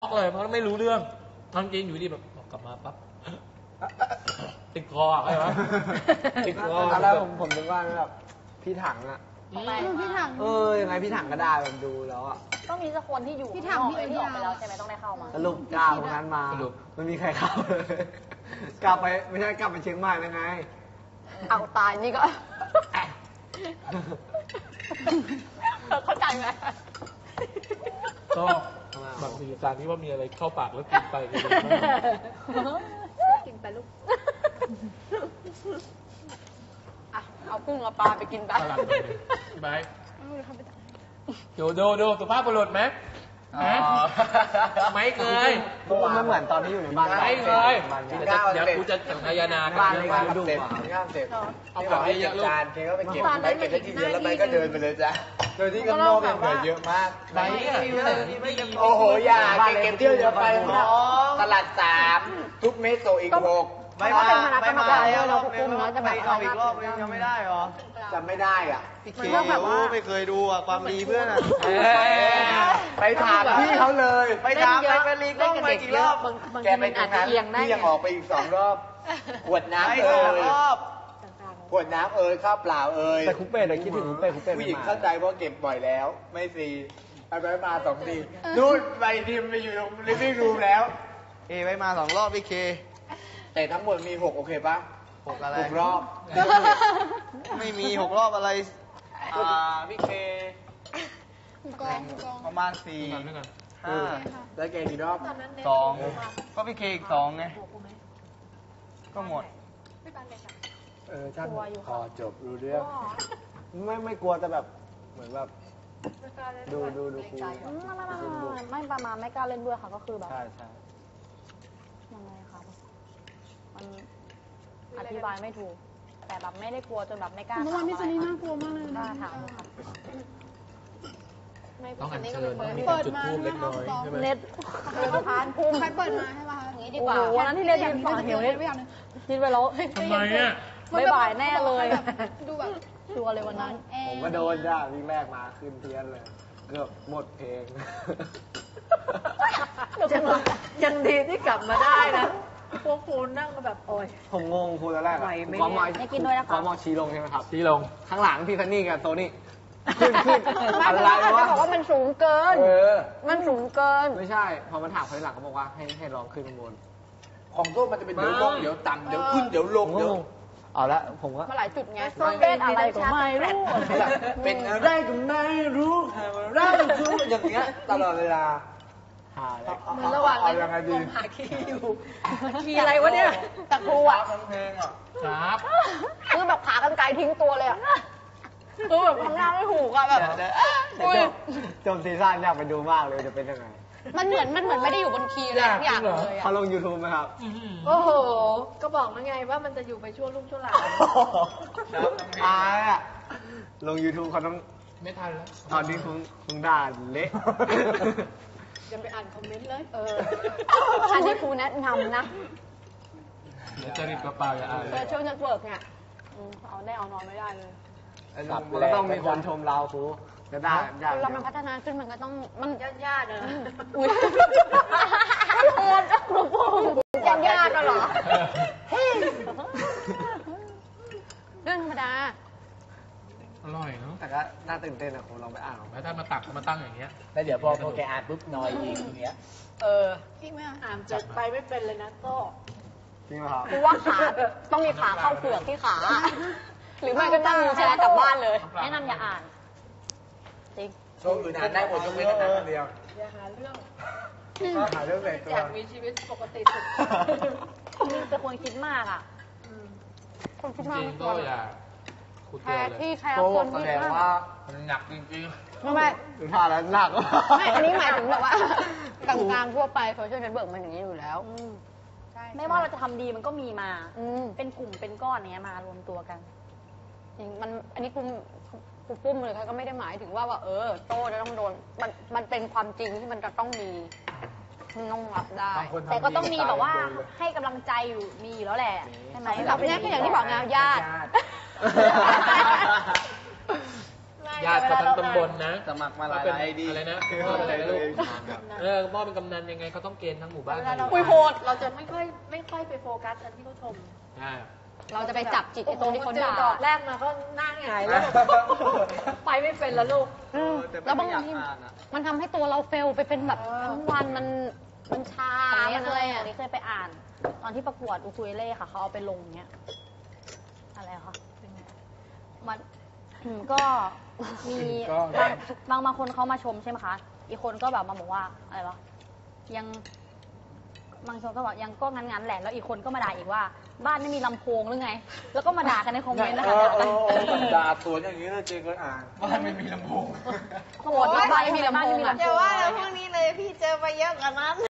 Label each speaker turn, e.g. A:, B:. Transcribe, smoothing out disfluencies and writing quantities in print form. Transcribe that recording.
A: อกเลยเพราะไม่รู้เรื่องทำจริงอยู่ดีแบบกลับมาปั๊บติดคออะไรวะติดคอ
B: แล้วผมนึกว่าแบบพี่ถังอะ
C: พี่ถัง
B: ยังไงพี่ถังก็ได้แบบดูแล้วอะ
D: ต้องมีสักคนที่อยู่
C: พี่ถังพี่อ
D: อกไปแล้วใช่ไหมต้องได้เข้ามา
B: สรุปกล้าตรงนั้นมาไม่มีใครเข้าเลยกลับไปไม่ใช่กลับไปเชียงใหม่แล้วไง
D: เอาตายนี่ก็เข้าใจไหม
A: ก็แบบมีการที่ว่ามีอะไรเข้าปากแล้วกินไป
C: กินไปลูก
D: เอากุ้งเอาปลาไปกินไป
A: ไปดูสุภาพบุรุษไหมไม่เคย
B: มันเหมือนตอนที่อยู่ในบ้าน
A: ไม่เคยเดี๋ยวกูจะสังขยานา
B: บ้านในการดู
A: เอาของให้เยอะลูก
B: จานเค้ก็ไปเก็บไปเก็บได้ทีเดียวแล้วไปก็เดินไปเลยจ้ะโดยที่ข้างนอกยังเหลือเยอะมากโอ้โหอย่าเก็บเที่ยวเยอะไปตลาด3ทุกเมตรโซอีก6
D: ไม่มาเราคุ้มจะแบบ
B: เอาอีกรอบยังไม่ได้หรอจำไม่ได้อ่ะพี่เคไม่เคยดูอ่ะความดีเพื่อนอ่ะไปถามพี่เขาเลยไปถามไปลีกล้องไปกี่รอบแกไปตรงนั้นพี่ยังออกไปอีก2 รอบขวดน้ำขวดน้ำข้าวเปล่าแต่คุปเป้คิดถึงคุปเป้ผู้หญิงเข้าใจว่าเก็บบ่อยแล้วไม่ฟรีไปมา2 ทีนู่นไปทีมไปอยู่ตรงลิฟวิ่งรูมแล้วไปมา2 รอบพี่เคแต่ทั้งหมดมี6โอเคปะ6อะไร6 รอบไม่มี6 รอบอะไรพี่เคประมาณ4 5แล้วแกกี่รอบ2ก็พี่เคอีก2ไงก็หมดช่างพอจบรู้เรื่องไม่กลัวแต่แบบเหมือนแบบดูครู
D: ไม่ประมาณไม่กล้าเล่นด้วยค่ะก็คือแบบ
B: ใช่
D: ยังไงคะมันอธิบายไม่ถูกแต่แบบไม่ได้กลัวจนแบบไม่กล้า
C: เมื่อวานพี่ซันนี่น่ากลัวมากเลย
D: กล้าถามค่ะ
A: ต้องอัญเชิญมีจุดทูบเล็กน้อยใช่ไหม
D: เน็ตพานพุ่ม
C: ใครเปิดมาใช่ป่ะ
D: อย่างนี้ดีกว่าวันนั้นที่เรียนยืนฝั่งเหวเนี่ยคิดไปแล้ว
A: ทำไมเนี่ย
D: บ่ายแน่เลย
C: ดูแบบ
D: ชัวร์เลยวันนั้น
B: ผมก็โดนจ้าวิ่งแรกมาขึ้นเทียนเลยเกือบหมดเพลง
D: ยังดีที่กลับมาได้นะพวกคุณนั่งก็แบบโอ้ย
B: ผมงงครูตอนแรกความมองชี้ลงใช่ไหมครับ
A: ชี้ลง
B: ข้างหลังพี่คันนี่กับโตนี่ขึ้นอะไรวะ
D: บอกว่ามันสูงเกินมันสูงเกิน
B: ไม่ใช่พอมันถามคนหลังเขาบอกว่าให้ลองขึ้นข้างบน
A: ของโต้มันจะเป็นเดี๋ยวลงเดี๋ยวต่ำเดี๋ยวขึ้นเดี๋ยวลงเดี๋ยว
B: เอาละผมก็
D: มาหลายจุดไงเป็นอะไรก็ไม่รู้
B: เป็นอะไรก็ไม่รู้อะไรก็รู้อย่างเงี้ยตลอดเวลา
D: เหมือนระหว่างผมหาคีย์อยู่คีย์อะไรวะเนี่ยแต่ครูอ่ะ
A: ครับ
D: คือแบบขากรรไกรทิ้งตัวเลยอ่ะคือแบบทำหน้าไม่ถูกอ่ะแบบ
B: จมซีซั่นอยากไปดูมากเลยจะเป็นยังไง
D: มันเหมือนไม่ได้อยู่บนคีย์อะไรทุกอย่างเลย
B: เขาลง YouTube ไหมครับ
D: โอ้โหก็บอกแล้วไงว่ามันจะอยู่ไปช่วงรุ่งช่วงหลัง
B: อ่ะลง YouTube เขาต้อง
A: ไม่ทันแล้ว
B: ตอนนี้คงด่าเละ
D: ยังไปอ่านคอมเมนต์เลยอันนี้ครูแนะนำนะ
A: จะรีบกระเป๋าอย่าอ่าน
D: ช่วงนักเวิร์กเนี่ยเอาได้เอานอนไม่ได้เลย
B: มันก็ต้องมีคนชมเราครูจะได้
D: เรามันพัฒนาขึ้นมันก็ต้องมันญาติเลยอุ้ยโหดครูญาติกันเหรอเรื่องธรรมดา
A: อร่อยเนาะ
B: แต่ก็น่าตื่นเต้นอะผมลองไปอ่าน
A: แล้วถ้ามาตักมาตั้งอย่างเงี้ย
B: แล้วเดี๋ยวพอแกอ่านปุ๊บนอยอีกอย่างเงี้ย
C: จริงไหม
D: อ่านจะไปไม่เป็นเลยนะโต้
B: จริงไหมครับ
D: เพราะว่าขาต้องมีขาเข้าเปลือกที่ขาหรือไม่ก็นั่งวีลแชร์กลับบ้านเลยแนะนำอย่าอ่านจริง
B: โชว์อื่นอ่านได้หมดยกเว้นอันนั้นเดียว
D: อย่าหาเรื่อง
B: เลย
D: อยากมีชีวิตปกติสุดนี่จะควรคิดมากอ่ะคนคิดมาก
A: ก็อย่า
D: แค่ที่ใครเอาคนคิด
B: มากว่า
A: มันหนักจริง
D: ๆไม่
B: ถึงผ่านแล้วหนัก
D: ไม่อันนี้หมายถึงแบบว่ากลางๆทั่วไปโซเชียลเน็ตเวิร์กมันอย่างนี้อยู่แล้วไม่ว่าเราจะทำดีมันก็มีมาเป็นกลุ่มเป็นก้อนเนี้ยมารวมตัวกันจริงมันอันนี้ครูปุ้มเลยค่ะก็ไม่ได้หมายถึงว่าโต้จะต้องโดนมันเป็นความจริงที่มันจะต้องมีต้องรับได้แต่ก็ต้องมีแบบว่าให้กำลังใจอยู่มีอยู่แล้วแหละใช่ไหมแบบนี้ก็อย่างที่บอกงานญาติไม่
A: ญาติเขาทั้งตำบลนะ
B: สมัครมาหลาย
A: เป็น
B: ไอดี
A: อะไรนะอะไรนะลูกพ่อเป็นกำนันยังไงเขาต้องเกณฑ์ทั้งหมู่บ้าน
D: เวลาเรา
A: คุย
D: โพสเราจะไม่ค่อยไปโฟกัสอันที่เขาชม เราจะไปจับจิตไอ้ตรงที่เขาด่า
E: ดอกแรกมาก็หน้าหงายแล้ว ไปไม่เป็นแล้วลูก
D: แล้วบางทีมันทำให้ตัวเราเฟลไปเป็นแบบทั้งวันมันชา
C: ของนี้เคย
D: เคยไปอ่าน ตอนที่ประกวดอูคูเลเล่ค่ะเขาเอาไปลงเนี้ยอะไรคะมันก็มีบางคนเขามาชมใช่ไหมคะอีกคนก็แบบมาบอกว่าอะไรวะยังบางคนก็บอกยังก็งั้นแหละแล้วอีกคนก็มาด่าอีกว่า บ้านไม่มีลำโพงหรือไง แล้วก็มาด่ากันในคอมเมนต์นะคะ
B: ด่าสวนอย่างนี้นะเจเคยอ่านบ้านไม่มีลำโพง
D: โหดบ้านไม่มีลำโพง
E: อย่าว่าแล้วพวกนี้เลยพี่เจอมาเยอะกว่านั้น